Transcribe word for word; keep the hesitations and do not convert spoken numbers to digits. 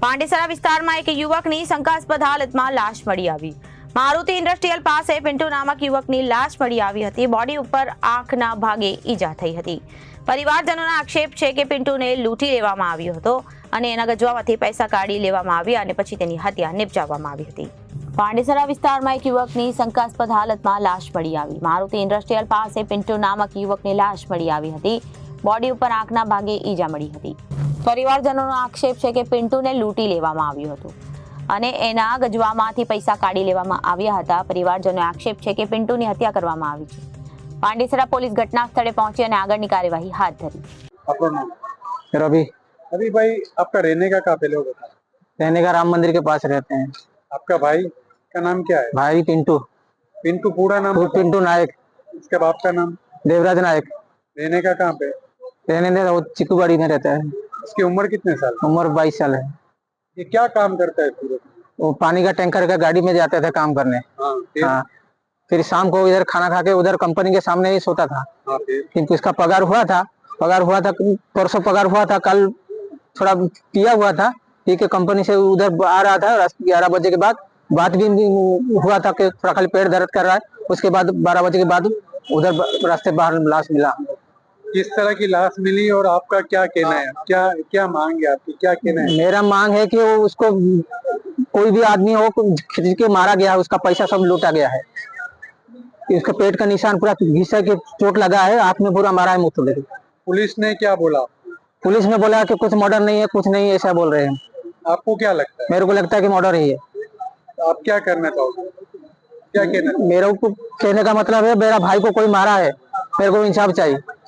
પાંડેસરા વિસ્તારમાં એક યુવકની શંકાસ્પદ હાલતમાં લાશ મળી આવી। મારુતિ ઇન્ડસ્ટ્રીયલ પાસે પિન્ટુ નામક યુવકની લાશ મળી આવી હતી। બોડી ઉપર આંખના ભાગે ઈજા થઈ હતી। પરિવારજનોના આક્ષેપ છે કે પિન્ટુને લૂંટી લેવામાં આવ્યો હતો અને એના ગજવામાંથી પૈસા કાઢી લેવામાં આવ્યા અને પછી તેની હત્યા નિપજાવવામાં આવી હતી। પાંડેસરા વિસ્તારમાં એક યુવકની શંકાસ્પદ હાલતમાં લાશ મળી આવી। મારુતિ ઇન્ડસ્ટ્રીયલ પાસે પિન્ટુ નામક યુવકની લાશ મળી આવી હતી। બોડી ઉપર આંખના ભાગે ઈજા મળી હતી। પરિવારજનોનો આક્ષેપ છે કે પિન્ટુને લૂંટી લેવામાં આવ્યો હતો અને એના ગજવામાંથી પૈસા કાઢી લેવામાં આવ્યા હતા। પરિવારજનોનો આક્ષેપ છે કે પિન્ટુની હત્યા કરવામાં આવી છે। પાંડેસરા પોલીસ ઘટના સ્થળે પહોંચી અને આગળની કાર્યવાહી હાથ ધરી। आपका नाम? रवि। अभी भाई आपका रहने का कहाँ पे लोग बता? रहने का राम मंदिर के पास रहते हैं। आपका भाई का नाम क्या है? भाई पिंटू। पिंटू पूरा नाम? पि- पिंटू नायक। इसके बाप का नाम? देवराज नायक। रहने का कहाँ पे? रहने दे वो चिकूबाड़ी में रहता है। इसकी उम्र कितने साल? उम्र बाईस साल है। ये क्या काम करता है सूरत में? वो पानी का टैंकर का गाड़ी में जाते थे काम करने। हाँ फिर? हाँ, फिर शाम को इधर खाना खा के उधर कंपनी के सामने ही सोता था। हाँ फिर? किंतु इसका पगार हुआ था पगार हुआ था परसों पगार हुआ था। कल थोड़ा पिया हुआ था, पी के कंपनी से उधर आ रहा था। ग्यारह बजे के बाद बात भी हुआ था कि थोड़ा खाली पेट दर्द कर रहा है। उसके बाद बारह बजे के बाद उधर रास्ते बाहर लाश मिला। किस तरह की लाश मिली और आपका क्या कहना है? क्या क्या मांग है आपकी? क्या कहना है? मेरा मांग है कि वो उसको कोई भी आदमी हो खींच के मारा गया है, उसका पैसा सब लूटा गया है। इसका पेट का निशान पूरा घिसा के चोट लगा है, हाथ में पूरा मारा है मुंह तो लेके। पुलिस ने क्या बोला? पुलिस ने बोला कि कुछ मर्डर नहीं है, कुछ नहीं है, ऐसा बोल रहे हैं। आपको क्या लगता है? मेरे को लगता है कि मर्डर ही है। आप क्या करना चाहोगे? क्या कहना? मेरे को कहने का मतलब है मेरा भाई को कोई मारा है, मेरे को इंसाफ चाहिए।